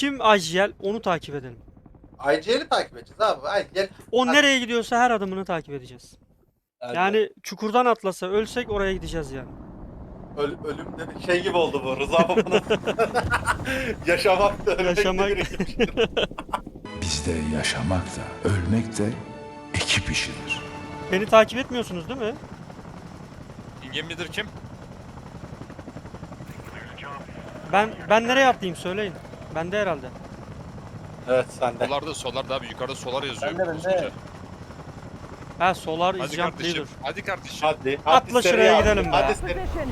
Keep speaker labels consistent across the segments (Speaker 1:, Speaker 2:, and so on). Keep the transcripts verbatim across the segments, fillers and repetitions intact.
Speaker 1: Kim I G L onu takip edelim.
Speaker 2: I G L'i takip edeceğiz abi. I G L.
Speaker 1: O nereye gidiyorsa her adımını takip edeceğiz. Yani çukurdan atlasa ölsek oraya gideceğiz yani.
Speaker 2: Öl, ölüm dedik şey gibi oldu bu. Rıza Baba'nın yaşamak da ölmek
Speaker 1: Yaşamak-
Speaker 2: de bir ekiptir.
Speaker 3: Bizde yaşamak da ölmek de ekip işidir.
Speaker 1: Beni takip etmiyorsunuz değil mi?
Speaker 4: İngem midir kim?
Speaker 1: Ben ben nereye atlayayım söyleyin. Bende herhalde.
Speaker 2: Evet sende.
Speaker 4: Solarda solarda abi yukarıda solar yazıyor.
Speaker 5: Bende, bende.
Speaker 4: koskoca.
Speaker 1: Ha Solar
Speaker 4: Hadi
Speaker 1: is jump
Speaker 4: kardeşim.
Speaker 1: leader.
Speaker 4: Hadi kardeşim.
Speaker 2: Hadi.
Speaker 1: Atla
Speaker 2: hadi
Speaker 1: şuraya
Speaker 2: seri
Speaker 1: gidelim
Speaker 2: abi.
Speaker 1: be.
Speaker 2: Hadi seri.
Speaker 6: Position.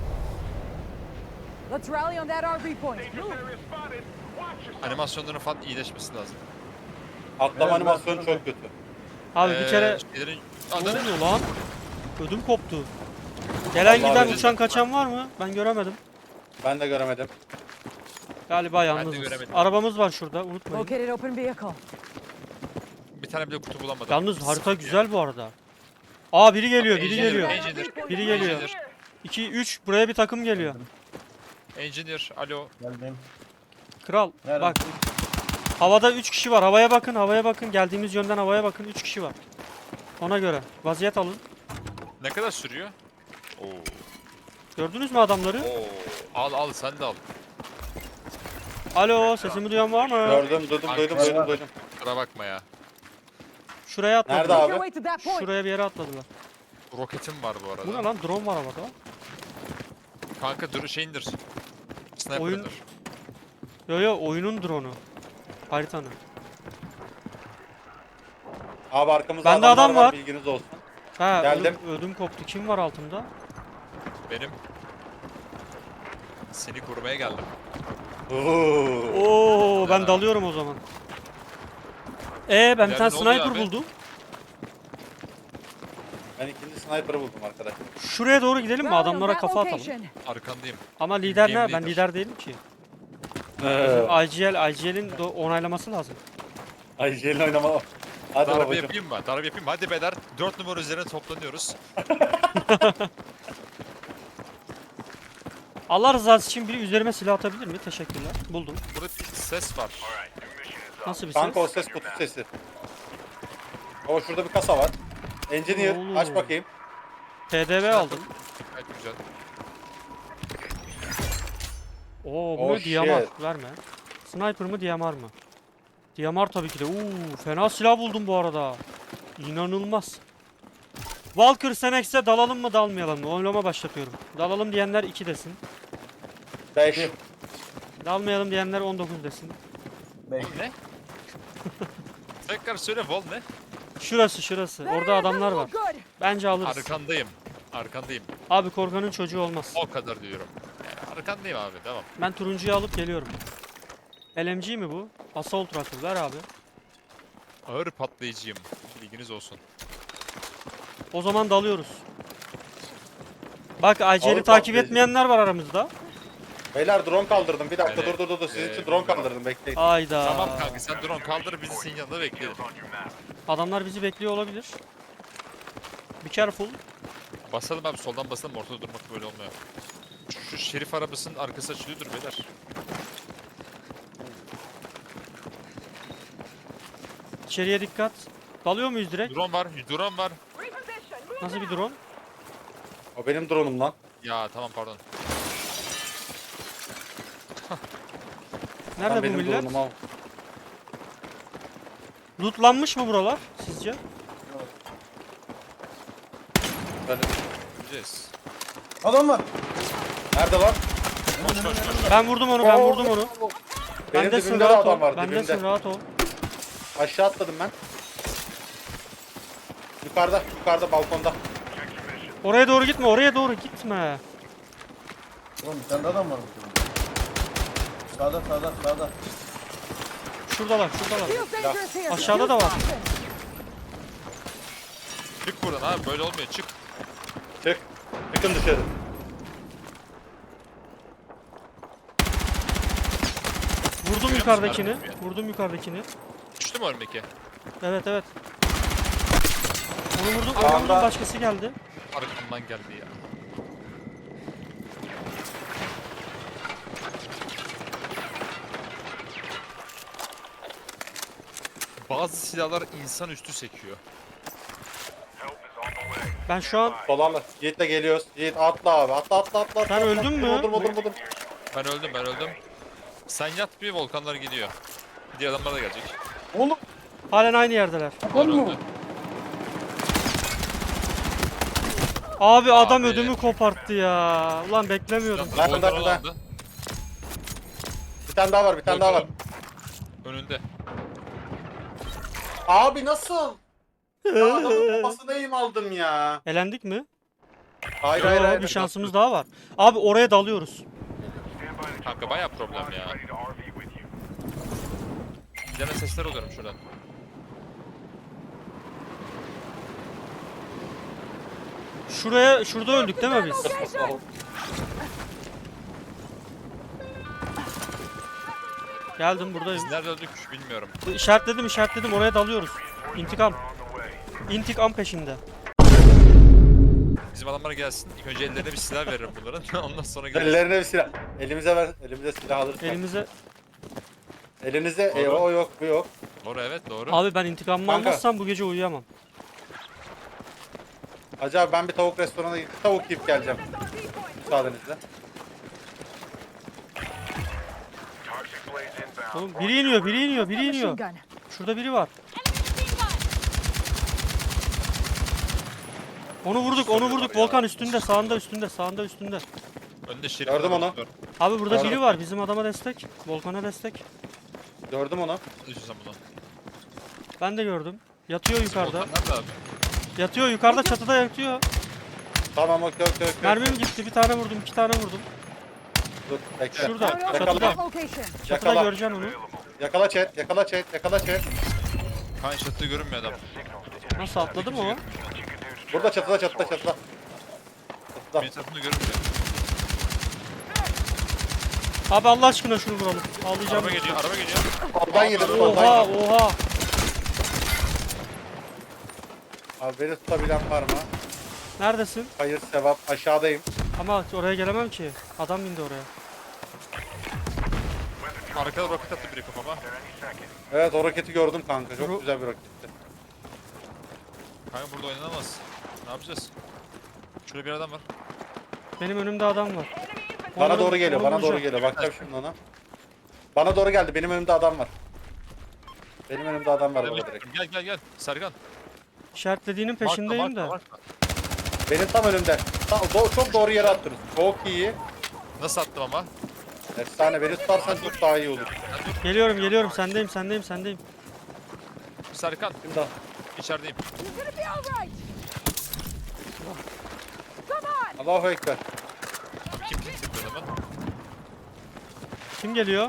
Speaker 6: Let's rally on that R V point. Move.
Speaker 4: Animasyonların falan iyileşmesi lazım.
Speaker 2: Atlama
Speaker 5: Evet,
Speaker 2: animasyonu
Speaker 5: ben-
Speaker 2: çok kötü.
Speaker 1: Abi bir
Speaker 4: Ee,
Speaker 1: kere
Speaker 4: şeylerin...
Speaker 1: ne
Speaker 4: Ananı
Speaker 1: oluyor lan? Ödüm koptu. Gelen
Speaker 2: Vallahi
Speaker 1: giden
Speaker 2: öyle.
Speaker 1: uçan kaçan var mı? Ben göremedim.
Speaker 2: Ben de göremedim.
Speaker 1: Galiba
Speaker 4: de
Speaker 1: yalnızız.
Speaker 4: göremedim.
Speaker 1: Arabamız var şurada unutmayın.
Speaker 6: Located open vehicle.
Speaker 4: bir tane bile kutu bulamadım.
Speaker 1: Yalnız harita güzel bu arada. Aa biri geliyor, biri
Speaker 4: Engineer,
Speaker 1: geliyor.
Speaker 4: Engineer,
Speaker 1: Biri geliyor.
Speaker 4: Engineer,
Speaker 1: iki üç buraya bir takım geliyor.
Speaker 4: Engineer, alo.
Speaker 5: Geldim.
Speaker 1: Kral
Speaker 5: Nerede?
Speaker 1: bak. Havada üç kişi var. Havaya bakın, havaya bakın. Geldiğimiz yönden havaya bakın. üç kişi var. Ona göre vaziyet alın.
Speaker 4: Ne kadar sürüyor? Oo.
Speaker 1: Gördünüz mü adamları?
Speaker 4: Oo. Al al sen de al.
Speaker 1: Alo, sesimi duyan var mı?
Speaker 2: Gördüm, duydum, duydum,
Speaker 5: Kanka.
Speaker 2: duydum, duydum.
Speaker 4: Kusura bakma ya.
Speaker 1: Şuraya atladılar.
Speaker 2: Nerede
Speaker 6: Make
Speaker 2: abi?
Speaker 6: your way to that point.
Speaker 1: Şuraya bir yere atladılar.
Speaker 4: Roketim var bu arada.
Speaker 1: Bu ne lan? Drone var havada.
Speaker 4: Kanka dur şeyindir.
Speaker 1: Oyun-
Speaker 4: Sniper'dır.
Speaker 1: Yo yo oyunun drone'u. Haritanın.
Speaker 2: Abi arkamızda
Speaker 1: Bende
Speaker 2: adamlar
Speaker 1: adam var.
Speaker 2: Bilginiz olsun.
Speaker 1: Ha
Speaker 2: Geldim.
Speaker 1: ödüm, ödüm koptu. Kim var altımda?
Speaker 4: Benim. Seni korumaya geldim.
Speaker 2: Oo.
Speaker 1: Oo ben
Speaker 4: Ya.
Speaker 1: dalıyorum o zaman. Ee ben bir
Speaker 4: Yani
Speaker 1: tane
Speaker 4: ne oluyor
Speaker 1: sniper
Speaker 4: abi?
Speaker 1: buldum.
Speaker 2: Ben ikinci sniper'ı buldum arkadaşlar.
Speaker 1: Şuraya doğru gidelim mi?
Speaker 6: Rally on
Speaker 1: Adamlara
Speaker 6: that
Speaker 1: kafa atalım.
Speaker 6: location.
Speaker 4: Arkandayım.
Speaker 1: Ama lider
Speaker 4: Game
Speaker 1: ne? Ben
Speaker 4: leader.
Speaker 1: lider değilim ki.
Speaker 2: Ee,
Speaker 1: I G L, I G L'in do- onaylaması lazım.
Speaker 2: Ay jelin oynama. Hadi
Speaker 4: Darbe
Speaker 2: babacım.
Speaker 4: yapayım mı? Darbe yapayım mı? Hadi beyler. dört numara üzerine toplanıyoruz.
Speaker 1: Allah rızası için biri üzerime silah atabilir mi? Teşekkürler. Buldum.
Speaker 4: Burada bir ses var.
Speaker 1: Nasıl bir
Speaker 2: Kanka o
Speaker 1: ses?
Speaker 2: ses kutu sesi. O şurada bir kasa var. Engineer
Speaker 1: Oğlum.
Speaker 2: aç bakayım.
Speaker 1: P D V aldım.
Speaker 4: Gayet güzel.
Speaker 1: Oo bu
Speaker 2: Oh,
Speaker 1: ne? D M R.
Speaker 2: shit.
Speaker 1: Verme. Sniper mı D M R mı? D M R tabii ki de. Uuu fena silah buldum bu arada. İnanılmaz. Valkyr Senex'e dalalım mı dalmayalım mı? Oylama başlatıyorum. Dalalım diyenler iki desin.
Speaker 2: beş.
Speaker 1: Dalmayalım diyenler on dokuz desin.
Speaker 5: Beş.
Speaker 4: Ne? Tekrar söyle Vol ne?
Speaker 1: Şurası şurası. Orada adamlar var.
Speaker 6: Good.
Speaker 1: Bence alırız.
Speaker 4: Arkandayım. Arkandayım.
Speaker 1: Abi korkanın çocuğu olmaz.
Speaker 4: O kadar diyorum. Yani arkandayım abi. Tamam.
Speaker 1: Ben turuncuyu alıp geliyorum. L M G mi bu? Assault Rifle ver abi.
Speaker 4: Ağır patlayıcıyım. Bilginiz olsun.
Speaker 1: O zaman dalıyoruz. Bak I G L'yi
Speaker 2: Ağır
Speaker 1: takip
Speaker 2: patlayıcı.
Speaker 1: etmeyenler var aramızda.
Speaker 2: Beyler drone kaldırdım. Bir dakika
Speaker 4: Evet.
Speaker 2: dur dur dur. dur. Sizin
Speaker 4: Ee,
Speaker 2: için drone kaldırdım. Bekleyin.
Speaker 1: Ayda.
Speaker 4: Tamam kanka sen drone kaldır bizi senin yanında bekleyelim.
Speaker 1: Adamlar bizi bekliyor olabilir. Be careful.
Speaker 4: Basalım abi soldan basalım ortada durmak böyle olmuyor. Şu, şu şerif arabasının arkası açılıyordur beyler.
Speaker 1: İçeriye dikkat. Dalıyor muyuz direkt?
Speaker 4: Drone var, drone var.
Speaker 1: Nasıl bir drone?
Speaker 2: O benim drone'um lan.
Speaker 4: Ya tamam pardon.
Speaker 1: Nerede
Speaker 2: Lan
Speaker 1: bu
Speaker 2: benim
Speaker 1: millet?
Speaker 2: drone'um al.
Speaker 1: Lootlanmış mı buralar sizce?
Speaker 2: Böyle-
Speaker 4: Gideceğiz.
Speaker 5: Adam var.
Speaker 2: Nerede lan?
Speaker 4: Koş koş koş.
Speaker 1: Ben vurdum onu, ben vurdum onu.
Speaker 2: Benim
Speaker 1: Bendesin
Speaker 2: dibimde de
Speaker 1: rahat
Speaker 2: adam
Speaker 1: ol.
Speaker 2: var.
Speaker 1: Bendesin
Speaker 2: Dibimde.
Speaker 1: rahat ol.
Speaker 2: Aşağı atladım ben. Yukarıda, yukarıda balkonda.
Speaker 1: Oraya doğru gitme, oraya doğru gitme.
Speaker 5: Oğlum bir tane adam var burada. Sağda sağda sağda.
Speaker 1: Şuradalar, şuradalar.
Speaker 6: Feels dangerous here.
Speaker 1: Aşağıda da
Speaker 6: Use
Speaker 1: var.
Speaker 6: caution.
Speaker 4: Çık buradan abi böyle olmuyor çık.
Speaker 2: Çık. Çıkın dışarı.
Speaker 1: Vurdum yukarıdakini. Vurdum yukarıdakini.
Speaker 4: Düştü mü önümdeki?
Speaker 1: Evet, evet. Onu vurdum,
Speaker 2: Anda-
Speaker 1: onu vurdum, başkası geldi.
Speaker 4: Arkamdan geldi ya. Bazı silahlar insanüstü sekiyor.
Speaker 1: Ben şu an
Speaker 2: Dolarla. Yiğit'le geliyoruz. Yiğit atla abi. Atla atla atla. atla,
Speaker 1: Sen
Speaker 2: atla.
Speaker 1: öldün mü?
Speaker 2: Durma durma durma.
Speaker 4: Ben öldüm ben öldüm. Sen yat bir volkanlar gidiyor. Diğer adamlar da gelecek.
Speaker 5: Oğlum
Speaker 1: halen aynı yerdeler.
Speaker 5: lan mı?
Speaker 4: Öldü.
Speaker 1: Abi adam
Speaker 4: Abi.
Speaker 1: ödümü koparttı ya. Ulan beklemiyordum.
Speaker 2: Ben de,
Speaker 4: Volkan
Speaker 2: ben de.
Speaker 4: aldı.
Speaker 2: Bir tane daha var bir tane daha var.
Speaker 4: Önünde.
Speaker 2: Abi nasıl? Ya adamın kafasına eğim aldım ya.
Speaker 1: Elendik mi?
Speaker 2: Hayır
Speaker 1: Yo,
Speaker 2: hayır hayır.
Speaker 1: bir şansımız daha var. Abi oraya dalıyoruz.
Speaker 4: Kanka baya problem ya. Gene sesler alıyorum şuradan.
Speaker 1: Şuraya, şurada öldük değil mi biz? Geldim buradayım.
Speaker 4: Biz nerede öldük bilmiyorum.
Speaker 1: İşaretledim işaretledim oraya dalıyoruz. İntikam. İntikam peşinde.
Speaker 4: Bizim adamlar gelsin. İlk önce ellerine bir silah veririm bunların. Ondan sonra gelsin.
Speaker 2: Ellerine bir silah. Elimize ver. Elimize silah alırsak.
Speaker 1: Elimize...
Speaker 2: Elinizde e,
Speaker 4: Doğru.
Speaker 2: o yok bu yok.
Speaker 4: Doğru evet doğru.
Speaker 1: Abi ben intikamımı
Speaker 2: Kanka.
Speaker 1: almazsam bu gece uyuyamam.
Speaker 2: Acaba ben bir tavuk restoranına gidip tavuk yiyip geleceğim. Müsaadenizle.
Speaker 1: Oğlum biri iniyor biri iniyor biri
Speaker 6: Machine
Speaker 1: iniyor.
Speaker 6: gun.
Speaker 1: Şurada biri var. Onu vurduk onu vurduk. Volkan üstünde sağında üstünde sağında üstünde.
Speaker 4: Önünde şerif
Speaker 2: Gördüm
Speaker 4: var,
Speaker 2: onu.
Speaker 4: var.
Speaker 1: Abi burada
Speaker 2: Gördüm.
Speaker 1: biri var bizim adama destek. Volkan'a destek.
Speaker 2: Gördüm onu.
Speaker 4: Ne diyorsun bunu?
Speaker 1: Ben de gördüm. Yatıyor yukarıda.
Speaker 4: Volkan nerede abi?
Speaker 1: Yatıyor yukarıda çatıda yatıyor.
Speaker 2: Tamam okey okey okey.
Speaker 1: Mermim gitti bir tane vurdum iki tane vurdum.
Speaker 2: Dur bekle.
Speaker 1: Şurada
Speaker 6: Out of
Speaker 1: çatıda.
Speaker 6: that location.
Speaker 1: Çatıda
Speaker 2: Yakala.
Speaker 1: göreceksin onu.
Speaker 2: Yakala chat, yakala chat, yakala chat.
Speaker 4: Kan çatıda görünmüyor adam.
Speaker 1: Nasıl atladı mı o?
Speaker 2: Burada çatıda çatıda çatıda. Çatıda.
Speaker 4: Bir tarafında görünmüyor.
Speaker 1: Abi Allah aşkına şunu vuralım. Ağlayacağım.
Speaker 4: Araba geliyor araba geliyor.
Speaker 2: Soldan yedim, soldan
Speaker 1: Oha
Speaker 2: yedim.
Speaker 1: oha.
Speaker 2: Abi beni tutabilen var mı?
Speaker 1: Neredesin?
Speaker 2: Hayır sevap aşağıdayım.
Speaker 1: Ama oraya gelemem ki. Adam indi oraya.
Speaker 4: Arkada roket attı biri kafama.
Speaker 2: Evet o roketi gördüm kanka. Çok
Speaker 1: Ro-
Speaker 2: güzel bir roketti.
Speaker 4: Kanka burada oynanamaz. Ne yapacağız? Şurada bir adam var.
Speaker 1: Benim önümde adam var.
Speaker 2: Bana
Speaker 1: Onları-
Speaker 2: doğru geliyor,
Speaker 1: onu
Speaker 2: bana doğru
Speaker 1: vuracağım.
Speaker 2: geliyor. Bakacağım şimdi ona. Bana doğru geldi. Benim önümde adam var. Benim önümde adam var baba direkt.
Speaker 4: Gel gel gel. Serkan.
Speaker 1: İşaretlediğinin
Speaker 4: Markla,
Speaker 1: peşindeyim
Speaker 4: markla,
Speaker 1: de.
Speaker 4: markla.
Speaker 2: Benim tam önümde. Tam, do- çok doğru yere attınız. Çok iyi.
Speaker 4: Nasıl attım ama?
Speaker 2: Efsane. Beni tutarsan çok daha iyi olur.
Speaker 4: Sen dur.
Speaker 1: Geliyorum geliyorum sendeyim sendeyim sendeyim.
Speaker 4: Serkan.
Speaker 2: Şimdi al.
Speaker 4: İçerideyim.
Speaker 6: You're gonna be all right. Come on.
Speaker 2: Allahu Ekber.
Speaker 4: Kim kim tıkladı adamı?
Speaker 1: Kim geliyor?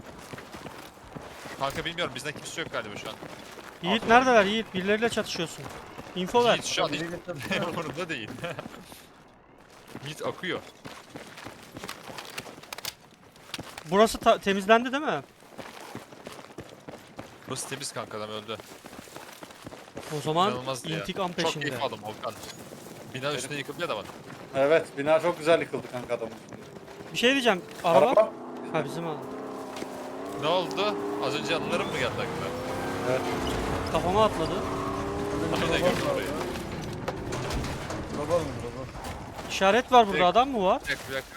Speaker 4: Kanka bilmiyorum. Bizden kimse yok galiba şu an.
Speaker 1: Yiğit neredeler Yiğit? Birileriyle çatışıyorsun. Info ver.
Speaker 4: Yiğit şu an hiç
Speaker 5: Biri getirdi.
Speaker 4: umurunda değil. Yiğit akıyor.
Speaker 1: Burası ta- temizlendi değil mi?
Speaker 4: Burası temiz kanka adam öldü.
Speaker 1: O zaman
Speaker 4: İnanılmazdı ya.
Speaker 1: intikam
Speaker 4: Çok
Speaker 1: peşinde.
Speaker 4: keyif aldım Volkan. Bina üstüne yıkıldı ya adamın.
Speaker 2: Evet. Bina çok güzel yıkıldı kanka adamın.
Speaker 1: Bir şey diyeceğim. Araba?
Speaker 2: Araba.
Speaker 1: Ha bizim araba.
Speaker 4: Ne oldu? Az önce anılarım mı geldi aklına?
Speaker 2: Evet.
Speaker 1: Kafama atladı.
Speaker 4: Aynen gördüm orayı.
Speaker 5: Drop'a mı drop'a?
Speaker 1: İşaret var burada
Speaker 4: Direkt-
Speaker 1: adam mı var?
Speaker 4: Bir dakika bir dakika.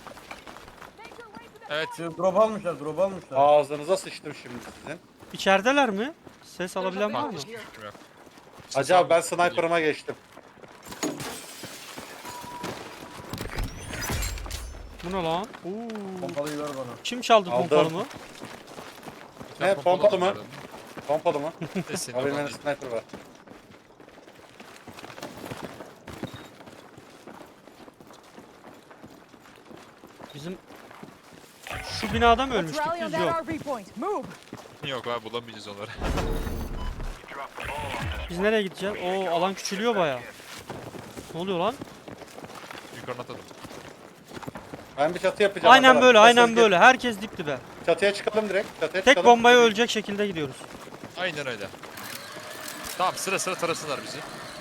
Speaker 4: Evet.
Speaker 5: Şey, drop almışlar drop almışlar.
Speaker 2: Ağzınıza sıçtım şimdi sizin.
Speaker 1: İçerideler mi? Ses alabilen var mı?
Speaker 4: Kanka hiçbir fikrim yok.
Speaker 2: Acaba ben sniper'ıma geçtim.
Speaker 1: Bu ne lan? Oo.
Speaker 5: Pompalıyı ver bana.
Speaker 1: Kim çaldı
Speaker 2: Aldım.
Speaker 1: pompalımı?
Speaker 4: Bir tane
Speaker 2: Ne, pompalı mı?
Speaker 4: vardı.
Speaker 2: Pompalı mı?
Speaker 4: Ne senin
Speaker 2: Abi
Speaker 4: oradan
Speaker 2: benim
Speaker 4: değil.
Speaker 2: sniper var.
Speaker 1: Bizim şu binada mı
Speaker 6: Let's
Speaker 1: ölmüştük
Speaker 6: rally on
Speaker 1: biz?
Speaker 6: that
Speaker 1: Yok.
Speaker 6: R V point. Move.
Speaker 4: Yok abi bulamayacağız onları.
Speaker 1: Biz nereye gideceğiz? Oo alan küçülüyor baya. Ne oluyor lan?
Speaker 4: Yukarıdan atladım.
Speaker 2: Ben bir çatı yapacağım.
Speaker 1: Aynen
Speaker 2: arkadaşlar.
Speaker 1: böyle, aynen
Speaker 2: Siz
Speaker 1: böyle. Herkes dip dibe.
Speaker 2: Çatıya çıkalım direkt. Çatıya
Speaker 1: Tek
Speaker 2: çıkalım.
Speaker 1: bombaya ölecek şekilde gidiyoruz.
Speaker 4: Aynen öyle. Tamam sıra sıra tarasınlar bizi.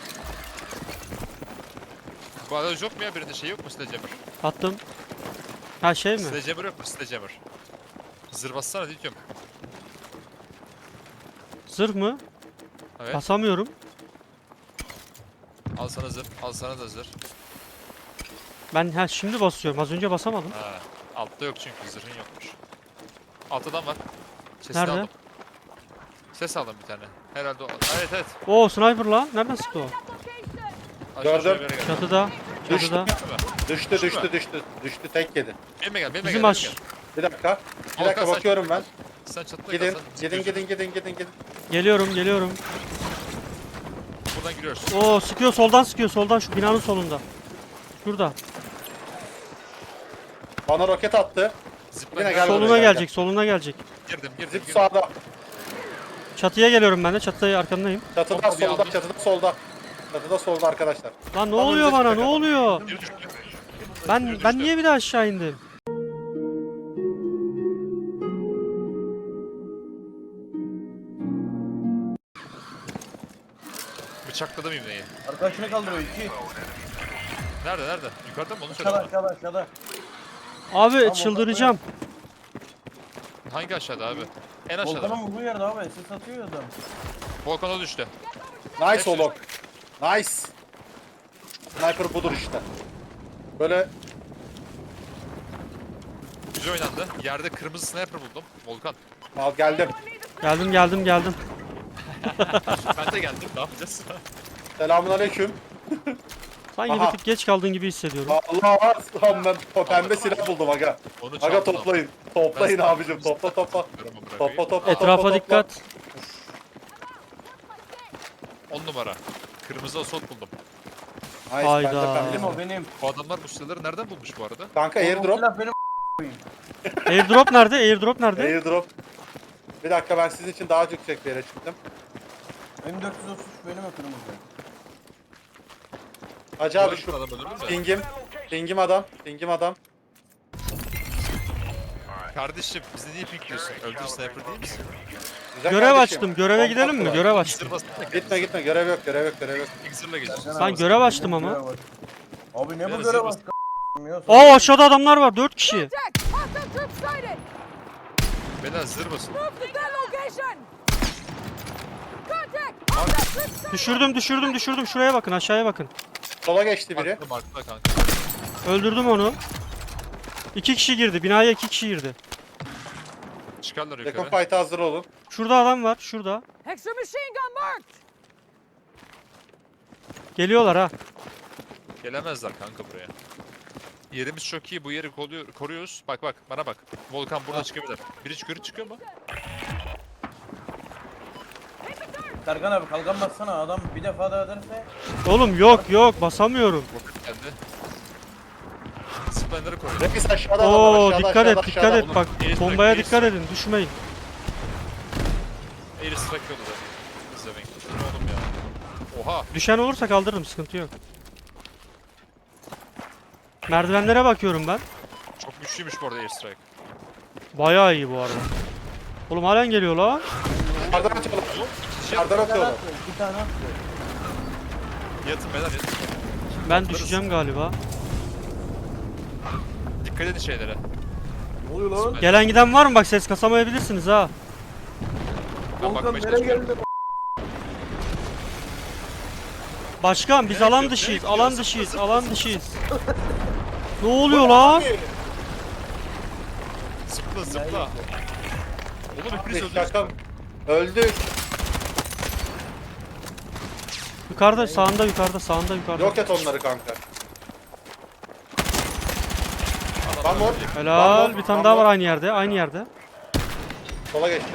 Speaker 4: Bu arada yok mu ya birinde şey yok mu Sledgehammer?
Speaker 1: Attım. Ha şey mi?
Speaker 4: Sledgehammer yok mu Sledgehammer? Zırh bassana diyorum.
Speaker 1: Zırh mı?
Speaker 4: Evet.
Speaker 1: Basamıyorum.
Speaker 4: Al sana zırh. Al sana da zırh.
Speaker 1: Ben ha şimdi basıyorum. Az önce basamadım.
Speaker 4: Ha. Altta yok çünkü zırhın yokmuş. Altta adam var. Sesini
Speaker 1: Nerede?
Speaker 4: aldım. Ses aldım bir tane. Herhalde o. Evet evet.
Speaker 1: Oo sniper lan. Nereden sıktı o?
Speaker 6: Location.
Speaker 4: Aşağı
Speaker 2: Gördüm.
Speaker 4: şuraya bir yere gel.
Speaker 1: Çatıda.
Speaker 2: Düştü.
Speaker 1: Çatıda.
Speaker 2: Düştü düştü düştü. Düştü tek yedi.
Speaker 4: Benimle gel. Benimle
Speaker 1: Bizim
Speaker 4: gel.
Speaker 1: aş.
Speaker 4: benimle gel.
Speaker 2: Bir dakika. Bir
Speaker 4: Volkan,
Speaker 2: dakika
Speaker 4: sen-
Speaker 2: bakıyorum ben.
Speaker 4: Sen çatıda
Speaker 2: Gidin.
Speaker 4: kal, sen
Speaker 2: Gidin
Speaker 4: sıkıyorsun.
Speaker 2: gidin gidin gidin gidin.
Speaker 1: Geliyorum geliyorum.
Speaker 4: Buradan giriyoruz.
Speaker 1: Oo sıkıyor soldan sıkıyor soldan şu binanın solunda. Şurada.
Speaker 2: Bana roket attı.
Speaker 4: Zipline
Speaker 2: Yine
Speaker 4: gel.
Speaker 2: gel
Speaker 1: Soluna
Speaker 2: buraya, gel,
Speaker 1: gelecek soluna gelecek.
Speaker 4: Girdim girdim
Speaker 2: Zip
Speaker 4: girdim.
Speaker 2: sağda.
Speaker 1: Çatıya geliyorum ben de. Çatıya arkandayım.
Speaker 2: Çatıda
Speaker 4: Topu bir
Speaker 2: solda.
Speaker 4: aldım.
Speaker 2: Çatıda solda. Çatıda solda arkadaşlar.
Speaker 1: Lan ne
Speaker 2: Tam
Speaker 1: oluyor
Speaker 2: önümüze
Speaker 1: bana? Ne
Speaker 2: çıkacak.
Speaker 1: oluyor?
Speaker 4: Biri düştü.
Speaker 1: Ben
Speaker 4: Biri
Speaker 1: ben
Speaker 4: düştü.
Speaker 1: niye bir daha aşağı indim?
Speaker 4: Bıçakladım ibneyi.
Speaker 5: Arkadaşını kaldırıyor iki.
Speaker 4: Nerede nerede? Yukarıda mı onu söyle
Speaker 5: Aşağıda
Speaker 4: bana.
Speaker 5: aşağıda aşağıda.
Speaker 1: Abi
Speaker 5: Tamam,
Speaker 1: çıldıracağım.
Speaker 4: Hangi aşağıda abi? En aşağıda.
Speaker 5: Volkan'ın vurduğu yerde abi. Ses atıyor ya adam.
Speaker 4: Volkan'a düştü.
Speaker 2: Nice
Speaker 4: Hepsi-
Speaker 2: oğlum. Nice. Sniper budur işte. Böyle
Speaker 4: Güzel oynandı. Yerde kırmızı sniper buldum. Volkan.
Speaker 2: al geldim.
Speaker 1: Geldim geldim geldim.
Speaker 4: Ben de geldim. Ne yapacağız?
Speaker 2: Selamun aleyküm.
Speaker 1: Sanki
Speaker 2: Aha.
Speaker 1: bir tık geç kaldığın gibi hissediyorum.
Speaker 2: Allah lan ben o pembe silah buldum aga.
Speaker 4: Onu
Speaker 2: Aga
Speaker 4: çaldım.
Speaker 2: toplayın. Toplayın
Speaker 4: Ben-
Speaker 2: abicim. Topla topla. Topla topla
Speaker 1: Etrafa
Speaker 2: topla,
Speaker 1: dikkat.
Speaker 4: on numara. Kırmızı assault buldum.
Speaker 2: Topla. Nice,
Speaker 1: Hayda.
Speaker 2: bende pembe
Speaker 5: Benim
Speaker 2: silah.
Speaker 5: o benim.
Speaker 4: Bu adamlar bu silahları nereden bulmuş bu arada?
Speaker 2: Kanka
Speaker 5: O
Speaker 2: airdrop.
Speaker 5: silah benim.
Speaker 1: Airdrop nerede? Airdrop nerede?
Speaker 2: Airdrop. Bir dakika ben sizin için daha yüksek bir yere çıktım.
Speaker 5: M dört yüz otuz üç benim o kırmızı.
Speaker 2: Hacı abi
Speaker 4: Adam
Speaker 2: şu
Speaker 4: öldürdün mü?
Speaker 2: pingim. Pingim adam. Pingim adam.
Speaker 4: Kardeşim bizi niye pikliyorsun? Öldür sniper değil misin?
Speaker 2: Güzel
Speaker 1: Görev
Speaker 2: kardeşim.
Speaker 1: açtım. Göreve
Speaker 2: Kontak
Speaker 1: gidelim mi?
Speaker 2: var.
Speaker 1: Görev açtım.
Speaker 4: Zırh basın da
Speaker 2: Gitme gitme görev yok görev yok görev yok.
Speaker 4: Zırhla geziyorsun.
Speaker 1: Sen görev açtım ama.
Speaker 5: Görev aç. Abi ne
Speaker 4: Ben
Speaker 5: bu
Speaker 4: de
Speaker 5: görev
Speaker 4: zırh
Speaker 5: aç ya?
Speaker 1: Aa aşağıda adamlar var. Dört kişi.
Speaker 6: Contact! Hostile troops sighted!
Speaker 4: Beyler zırh basın.
Speaker 6: Move to their location! Contact! Hostile troops sighted!
Speaker 1: Düşürdüm düşürdüm düşürdüm. Şuraya bakın aşağıya bakın.
Speaker 2: Sola geçti biri.
Speaker 4: Markla markla kanka.
Speaker 1: Öldürdüm onu. İki kişi girdi. Binaya iki kişi girdi.
Speaker 4: Çıkarlar
Speaker 2: Yakın
Speaker 4: yukarı.
Speaker 2: fight'a hazır olun.
Speaker 1: Şurada adam var. Şurada.
Speaker 6: Extra machine gun marked!
Speaker 1: Geliyorlar ha.
Speaker 4: Gelemezler kanka buraya. Yerimiz çok iyi. Bu yeri koruyor, koruyoruz. Bak bak bana bak. Volkan burada çıkabilir. Biri yukarı çıkıyor mu?
Speaker 5: Serkan abi kalkan bassana adam bir defa daha ederse.
Speaker 1: Oğlum yok yok basamıyorum.
Speaker 4: Roket geldi. Zipline'ları koruyor.
Speaker 2: Reis aşağıda adam var.
Speaker 1: Oo
Speaker 2: Aşağıda,
Speaker 1: dikkat
Speaker 2: aşağıda,
Speaker 1: et dikkat
Speaker 2: aşağıda.
Speaker 1: et bak.
Speaker 4: Airstrike,
Speaker 1: Bombaya
Speaker 4: airstrike.
Speaker 1: dikkat edin. Düşmeyin.
Speaker 4: Air strike yolu da. İzlemeyin. Ne oğlum ya. Oha.
Speaker 1: Düşen olursa kaldırırım. Sıkıntı yok. Merdivenlere bakıyorum ben.
Speaker 4: Çok güçlüymüş bu arada air strike.
Speaker 1: Bayağı iyi bu arada. Oğlum halen geliyor lan.
Speaker 2: Dışarıdan atıyorum.
Speaker 4: İkinci
Speaker 2: Dışarıdan
Speaker 5: Bir tane
Speaker 2: atıyorum.
Speaker 5: attı. Bir tane attı.
Speaker 4: yatın beyler yatın.
Speaker 1: Ben düşeceğim galiba.
Speaker 4: Dikkat edin şeylere.
Speaker 5: Ne oluyor lan?
Speaker 1: Gelen giden var mı? Bak ses kasamayabilirsiniz ha.
Speaker 4: Ben
Speaker 5: Volkan
Speaker 4: bakmaya
Speaker 5: nereye
Speaker 4: çalışıyorum.
Speaker 5: geldi?
Speaker 1: Başkan biz
Speaker 4: Nereye
Speaker 1: alan
Speaker 4: gidiyor?
Speaker 1: dışıyız.
Speaker 4: Nereye
Speaker 1: Alan
Speaker 4: gidiyor?
Speaker 1: dışıyız.
Speaker 4: Zıpla,
Speaker 1: Alan
Speaker 4: zıpla.
Speaker 1: dışıyız. Ne oluyor lan?
Speaker 4: Zıpla zıpla. Oğlum hepiniz öldünüz.
Speaker 2: Şaka. Öldük.
Speaker 1: Yukarıda sağında yukarıda sağında yukarıda.
Speaker 2: Yok et onları kanka. One more.
Speaker 1: Helal.
Speaker 2: One more,
Speaker 1: Bir tane
Speaker 2: one
Speaker 1: daha var
Speaker 2: more.
Speaker 1: aynı yerde. Aynı yerde.
Speaker 2: Sola geçti.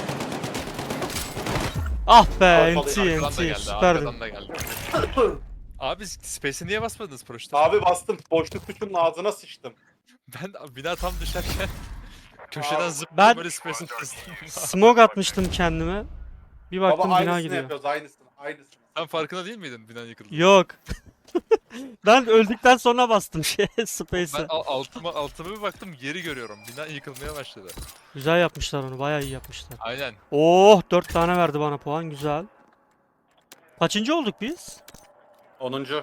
Speaker 1: Ah be
Speaker 2: Arkadan
Speaker 1: N T
Speaker 4: Arkadan
Speaker 1: N
Speaker 4: da
Speaker 1: T
Speaker 4: geldi.
Speaker 1: süperdin.
Speaker 4: Arkadan da geldi. Abi space'e niye basmadınız paraşütü?
Speaker 2: Abi bastım. Boşluk tuşunun ağzına sıçtım.
Speaker 4: Ben bina tam düşerken köşeden
Speaker 2: Abi,
Speaker 4: zıpladım
Speaker 1: ben-
Speaker 4: böyle space'in testiyim.
Speaker 1: Smoke atmıştım kendime. Bir
Speaker 2: Baba
Speaker 1: baktım bina
Speaker 2: aynısını
Speaker 1: gidiyor.
Speaker 2: yapıyoruz. Aynısını. Aynısını.
Speaker 4: Sen farkında değil miydin bina yıkıldı?
Speaker 1: Yok. Ben öldükten sonra bastım şey
Speaker 4: Ben
Speaker 1: Space'e.
Speaker 4: al- altıma, altıma bir baktım geri görüyorum. Bina yıkılmaya başladı.
Speaker 1: Güzel yapmışlar onu. Bayağı iyi yapmışlar.
Speaker 4: Aynen.
Speaker 1: Oh dört tane verdi bana puan. Güzel. Kaçıncı olduk biz?
Speaker 2: onuncu.